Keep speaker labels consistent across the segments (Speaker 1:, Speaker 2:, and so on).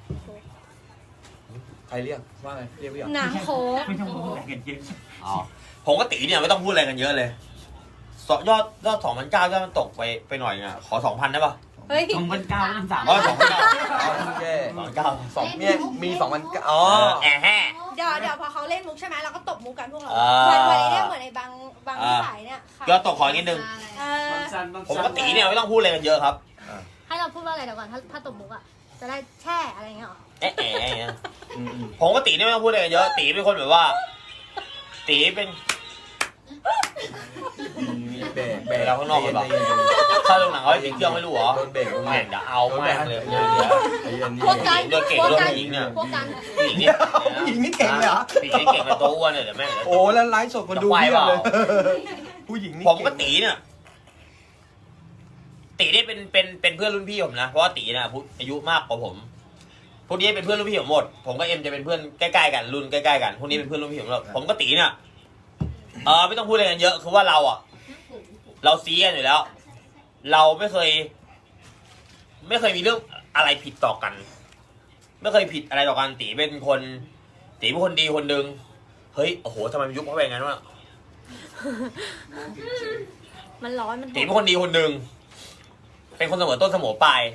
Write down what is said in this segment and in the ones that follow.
Speaker 1: ใครเรียกว่าไงเรียกพี่หรอ
Speaker 2: น้ำโค้ก
Speaker 3: ไม่ต้องพูดอะไรกันเยอะ
Speaker 4: อ๋อผมกับตีเนี่ยไม่ต้องพูดอะไรกันเยอะเลยยอด2,900ยอดมันตกไปหน่อยอ่ะขอ 2,000ได้ป่ะ
Speaker 2: เฮ้ย
Speaker 3: 2,900 3,000
Speaker 1: โอเค
Speaker 4: 2,900
Speaker 1: สองเนี่ยมี2,000อ๋อ
Speaker 4: แอะแห่
Speaker 2: เดี๋ยวพอเขาเล่นมุกใช่ไหมเราก็ตบมุกกันพวกเรา
Speaker 4: อ่า
Speaker 2: วันนี้เนี่ยเหมือนในบางสายเนี่ยค่ะ
Speaker 4: ยอดตกขอนิดนึง
Speaker 2: เออ
Speaker 4: ผมกับตีเนี่ยไม่ต้องพูดอะไรกันเยอะครับ
Speaker 2: ให้เราพูดว่าอะไรเดี๋ยวก่อนถ้าตบมุกอ่ะจะได้แช่อะไรเงี้ยหรอ
Speaker 4: แอะแอะผมกับตีเนี่ยไม่ต้องพูดอะไรกันเยอะตีเป็นคนแบบว่า ตีเป็น
Speaker 1: เบรก
Speaker 4: ไปแล้วข้างนอกก่อนปะ ถ้าลงหนังเขาให้ปิดเครื่องไม่รู้เหรอ
Speaker 1: โดนเบรก
Speaker 4: เดี๋ยวเอาแม่งเลย
Speaker 2: พวกกัน
Speaker 4: โดนเก่ง
Speaker 2: พวก
Speaker 4: โดน
Speaker 2: กัน
Speaker 4: ยิงเนี่ย
Speaker 2: พวกกัน
Speaker 4: ผู้หญิงเนี่ย
Speaker 1: ผู้หญิงนี่เก่งเลยเหรอ
Speaker 4: ผู้หญิงนี่เก่งกับตัวอ้วนเนี่ยเดี๋ยวแม่ง
Speaker 1: โอ้แล้วไลฟ์สดคนดูเยอะเลยผู้หญิงนี่
Speaker 4: ผมกับตีเนี่ยตีนี่เป็นเพื่อนรุ่นพี่ผมนะเพราะว่าตีเนี่ยอายุมากกว่าผมพวกนี้เป็นเพื่อนรุ่นพี่ผมหมดผมกับเอ็มจะเป็นเพื่อนใกล้ๆกันรุ่นใกล้ๆกันพวกนี้เป็นเพื่อนรุ่นพี่ผมหมดผมกับตีเนี่ยไม่ต้องพูดอะไรกันเยอะคือว่าเราซีกันอยู่แล้ว เราไม่เคยมีเรื่องอะไรผิดต่อกัน ไม่เคยผิดอะไรต่อกันตีเป็นคนดีคนหนึ่งเฮ้ยโอ้โหทำไมมันยุบเข้าไปอย่างนั้นวะ
Speaker 2: มันร้อนมัน
Speaker 4: ตีเป็นคนดีคนหนึ่งเป็นคนเสมอต้นเสมอปลาย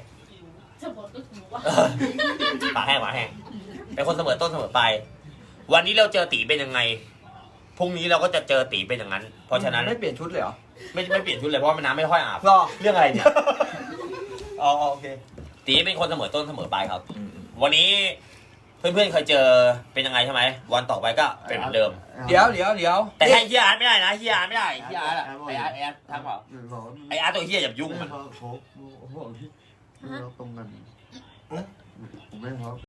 Speaker 4: ปากแห้งเป็นคนเสมอต้นเสมอปลายวันนี้เราเจอตีเป็นยังไงพรุ่งนี้เราก็จะเจอตีเป็นอย่างนั้น เพราะฉะนั้น
Speaker 1: ไม่เปลี่ยนชุดเลยเหรอ
Speaker 4: ไม่เปลี่ยนชุดเลยเพราะว่าน้ำไม่ค่อยอาบ
Speaker 1: รอ
Speaker 4: เรื่องอะไรเนี่ย
Speaker 1: อ๋อโอเค
Speaker 4: ตีเป็นคนเสมอต้นเสมอปลายครับ วันนี้เพื่อนๆเคยเจอเป็นยังไงใช่ไหมวันต่อไปก็เป็นเหมือนเดิม
Speaker 1: เดี๋ยว
Speaker 4: แต่ให้เฮียอาร์ตไม่ได้นะเฮียอาร์ตไม่ได้เฮียอาร์ตอะไออาร์ตทักเปล่าไออาร์ตตัวเฮียอย่ายุ่งมัน
Speaker 5: เขาบอกที่เราตรงกันผมไม่เขา